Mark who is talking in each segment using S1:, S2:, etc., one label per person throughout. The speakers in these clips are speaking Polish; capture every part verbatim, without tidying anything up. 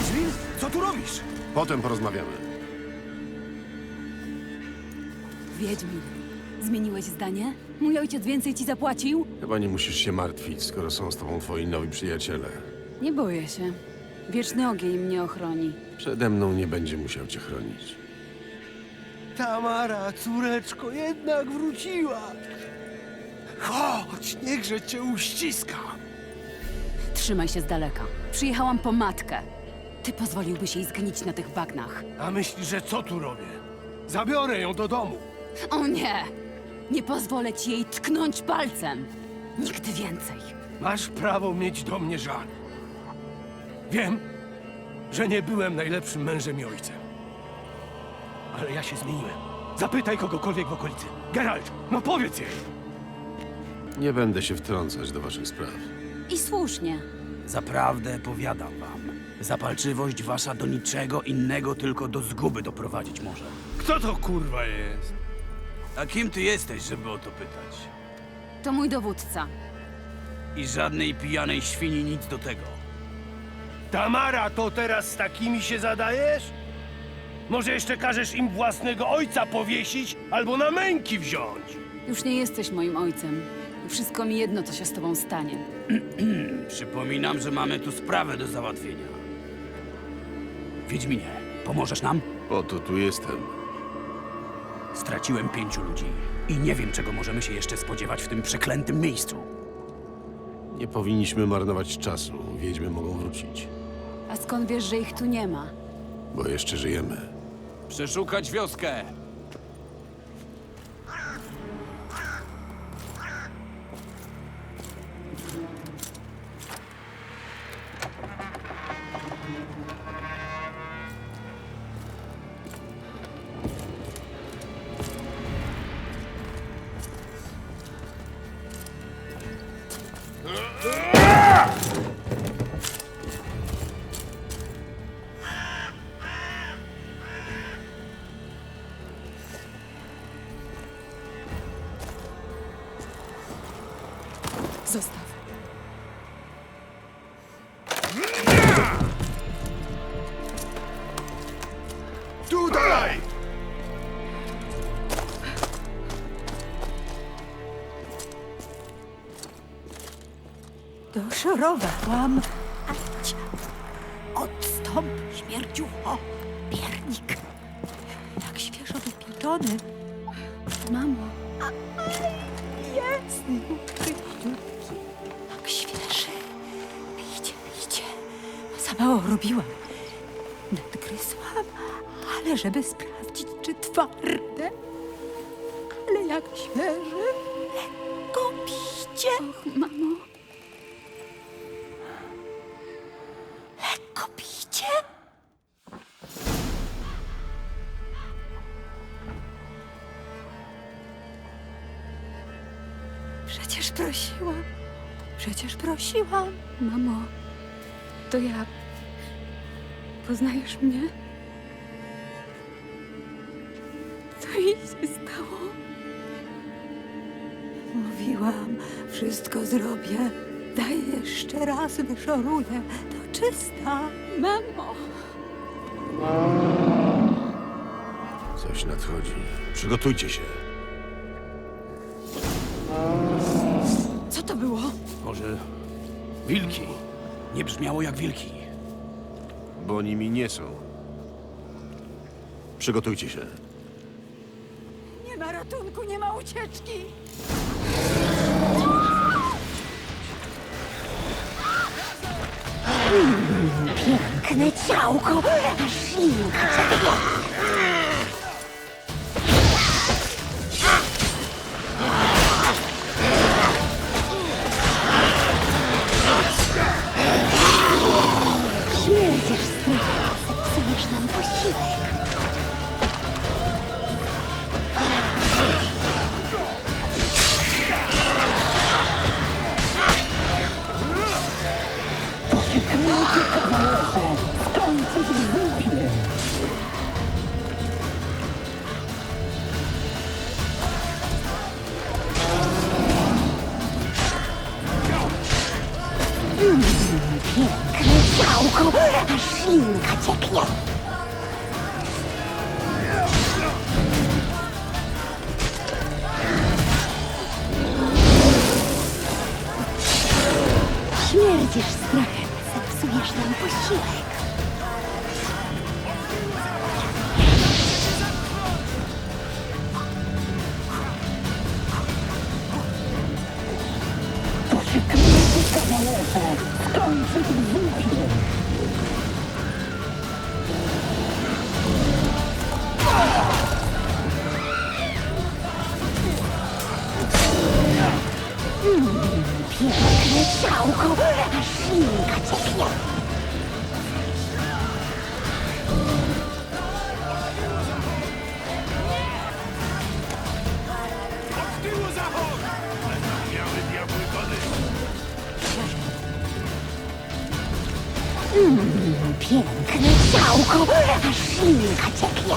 S1: Wiedźmin? Co tu robisz?
S2: Potem porozmawiamy.
S3: Wiedźmin, zmieniłeś zdanie? Mój ojciec więcej ci zapłacił?
S2: Chyba nie musisz się martwić, skoro są z tobą twoi nowi przyjaciele.
S3: Nie boję się. Wieczny ogień mnie ochroni.
S2: Przede mną nie będzie musiał cię chronić.
S1: Tamara, córeczko, jednak wróciła. Chodź, niechże cię uściska.
S3: Trzymaj się z daleka. Przyjechałam po matkę. Ty pozwoliłbyś jej zgnić na tych bagnach.
S1: A myślisz, że co tu robię? Zabiorę ją do domu.
S3: O nie! Nie pozwolę ci jej tknąć palcem. Nigdy więcej.
S1: Masz prawo mieć do mnie żal. Wiem, że nie byłem najlepszym mężem i ojcem. Ale ja się zmieniłem. Zapytaj kogokolwiek w okolicy. Geralt, no powiedz jej.
S2: Nie będę się wtrącać do waszych spraw.
S3: I słusznie.
S4: Zaprawdę powiadam wam, zapalczywość wasza do niczego innego, tylko do zguby doprowadzić może.
S1: Kto to kurwa jest?
S4: A kim ty jesteś, żeby o to pytać?
S3: To mój dowódca.
S4: I żadnej pijanej świni nic do tego.
S1: Tamara, to teraz z takimi się zadajesz? Może jeszcze każesz im własnego ojca powiesić albo na męki wziąć?
S3: Już nie jesteś moim ojcem. I wszystko mi jedno, co się z tobą stanie.
S4: Przypominam, że mamy tu sprawę do załatwienia. Wiedźminie, pomożesz nam?
S2: Po to tu jestem.
S4: Straciłem pięciu ludzi i nie wiem, czego możemy się jeszcze spodziewać w tym przeklętym miejscu.
S2: Nie powinniśmy marnować czasu. Wiedźmy mogą wrócić.
S3: A skąd wiesz, że ich tu nie ma?
S2: Bo jeszcze żyjemy.
S4: Przeszukać wioskę!
S3: Zostaw.
S1: Tutaj!
S5: Doszorowałam. Ać, odstąp, śmierdziucho, piernik. Jak świeżo wypieczony.
S3: Mamo,
S5: Jest. Jak świeży. Pijcie, pijcie. Za mało robiłam. Nadgryzłam, ale żeby sprawdzić, czy twarde. Ale jak świeży. Lekko pijcie.
S3: mamo.
S5: Lekko pijcie. Przecież prosiłam. Przecież prosiłam.
S3: Mamo, to ja. Poznajesz mnie? Co jej się stało?
S5: Mówiłam, wszystko zrobię. Daj jeszcze raz wyszoruję. To czysta.
S3: Mamo!
S2: Coś nadchodzi. Przygotujcie się.
S3: Co to było?
S4: Może wilki? Nie brzmiało jak wilki.
S2: Bo nimi nie są. Przygotujcie się.
S5: Nie ma ratunku, nie ma ucieczki. Piękne ciałko, aż linka. Śmierdzisz, strychu. Zepsujesz nam posiłek.
S6: ciałko, aż ślinka cieknie. Śmierdzisz strachem, zepsujesz nam posiłek. Piękne ciałko, aż ślinka cieknie.
S1: Od tyłu zachód! Miały diabły wody.
S6: Piękne ciałko, aż ślinka cieknie.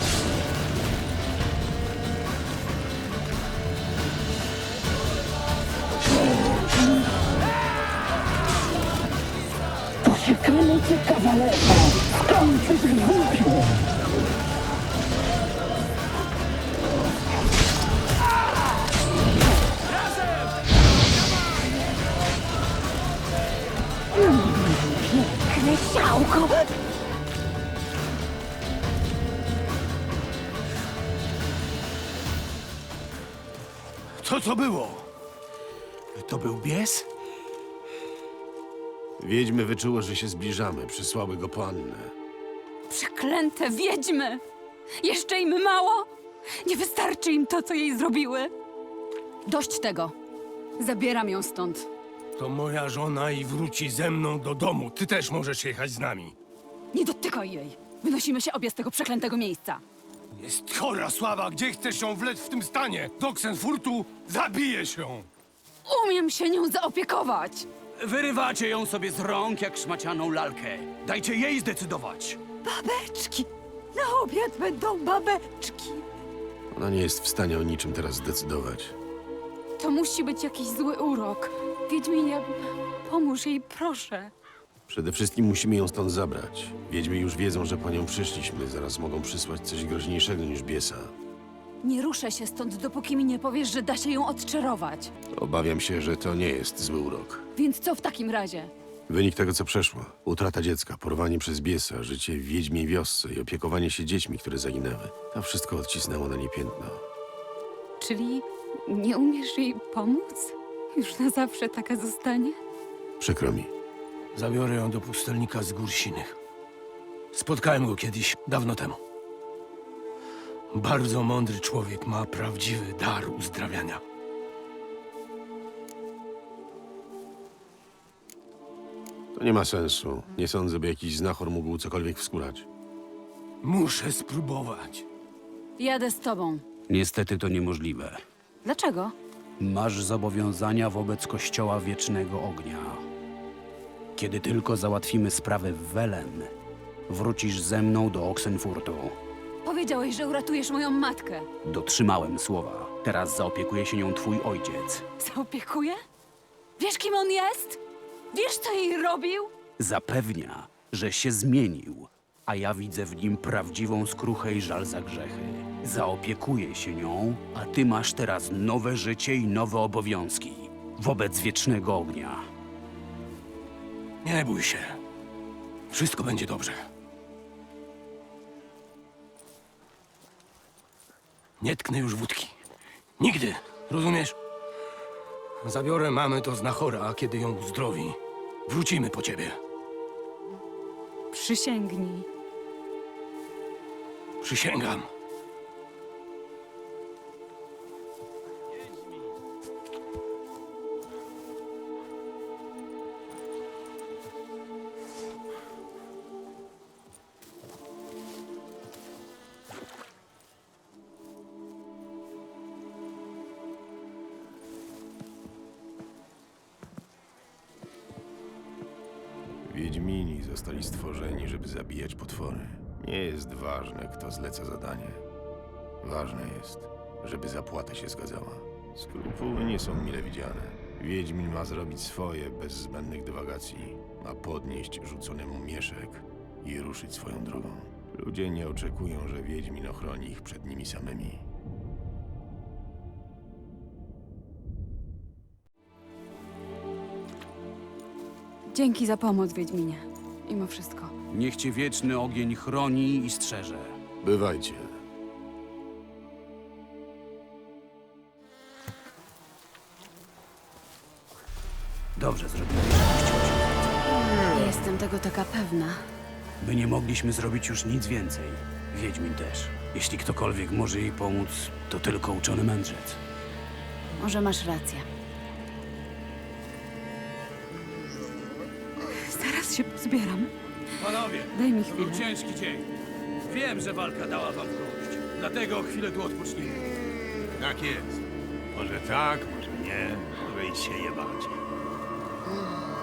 S6: Poszukamy cię, kawalerko. Skończysz w głupiu. Piękne ciałko.
S1: Co to było? To był bies?
S2: Wiedźmy wyczuło, że się zbliżamy. Przysłały go po Annę.
S3: Przeklęte wiedźmy! Jeszcze im mało? Nie wystarczy im to, co jej zrobiły? Dość tego. Zabieram ją stąd.
S1: To moja żona i wróci ze mną do domu. Ty też możesz jechać z nami.
S3: Nie dotykaj jej. Wynosimy się obie z tego przeklętego miejsca.
S1: Jest chora, Sława. Gdzie chcesz ją wlec w tym stanie? Do Oxenfurtu zabijesz ją.
S3: Umiem się nią zaopiekować.
S4: Wyrywacie ją sobie z rąk jak szmacianą lalkę. Dajcie jej zdecydować.
S5: Babeczki! Na obiad będą babeczki!
S2: Ona nie jest w stanie o niczym teraz zdecydować.
S3: To musi być jakiś zły urok. Wiedźminie, pomóż jej, proszę.
S2: Przede wszystkim musimy ją stąd zabrać. Wiedźmy już wiedzą, że po nią przyszliśmy. Zaraz mogą przysłać coś groźniejszego niż biesa.
S3: Nie ruszę się stąd, dopóki mi nie powiesz, że da się ją odczarować.
S2: Obawiam się, że to nie jest zły urok.
S3: Więc co w takim razie?
S2: Wynik tego, co przeszło. Utrata dziecka, porwanie przez biesa, życie w wiedźmiej wiosce i opiekowanie się dziećmi, które zaginęły. To wszystko odcisnęło na niej piętno.
S3: Czyli nie umiesz jej pomóc? Już na zawsze taka zostanie?
S2: Przykro mi.
S1: Zabiorę ją do pustelnika z Gór Sinych. Spotkałem go kiedyś, dawno temu. Bardzo mądry człowiek, ma prawdziwy dar uzdrawiania.
S2: To nie ma sensu. Nie sądzę, by jakiś znachor mógł cokolwiek wskórać.
S1: Muszę spróbować.
S3: Jadę z tobą.
S4: Niestety to niemożliwe.
S3: Dlaczego?
S4: Masz zobowiązania wobec Kościoła Wiecznego Ognia. Kiedy tylko załatwimy sprawę w Welen, wrócisz ze mną do Oxenfurtu.
S3: Powiedziałeś, że uratujesz moją matkę.
S4: Dotrzymałem słowa. Teraz zaopiekuje się nią twój ojciec.
S3: Zaopiekuję? Wiesz, kim on jest? Wiesz, co jej robił?
S4: Zapewnia, że się zmienił, a ja widzę w nim prawdziwą skruchę i żal za grzechy. Zaopiekuję się nią, a ty masz teraz nowe życie i nowe obowiązki wobec Wiecznego Ognia.
S1: Nie bój się. Wszystko będzie dobrze. Nie tknę już wódki. Nigdy. Rozumiesz? Zabiorę mamę do znachora, a kiedy ją uzdrowi, wrócimy po ciebie.
S3: Przysięgnij.
S1: Przysięgam.
S2: Wiedźmini zostali stworzeni, żeby zabijać potwory. Nie jest ważne, kto zleca zadanie. Ważne jest, żeby zapłata się zgadzała. Skrupuły nie są mile widziane. Wiedźmin ma zrobić swoje bez zbędnych dywagacji. Ma podnieść rzucony mu mieszek i ruszyć swoją drogą. Ludzie nie oczekują, że Wiedźmin ochroni ich przed nimi samymi.
S3: Dzięki za pomoc, Wiedźminie. Mimo wszystko.
S4: Niech cię wieczny ogień chroni i strzeże.
S2: Bywajcie.
S4: Dobrze zrobiłeś, że puściłeś.
S3: Nie jestem tego taka pewna.
S4: My nie mogliśmy zrobić już nic więcej. Wiedźmin też. Jeśli ktokolwiek może jej pomóc, to tylko uczony mędrzec.
S3: Może masz rację. Zaraz się pozbieram.
S1: Panowie,
S3: Daj mi
S1: to był
S3: chwilę.
S1: ciężki dzień. Wiem, że walka dała wam w kość. Dlatego chwilę tu odpocznijmy.
S7: Tak jest. Może tak, może nie, może i się jebać.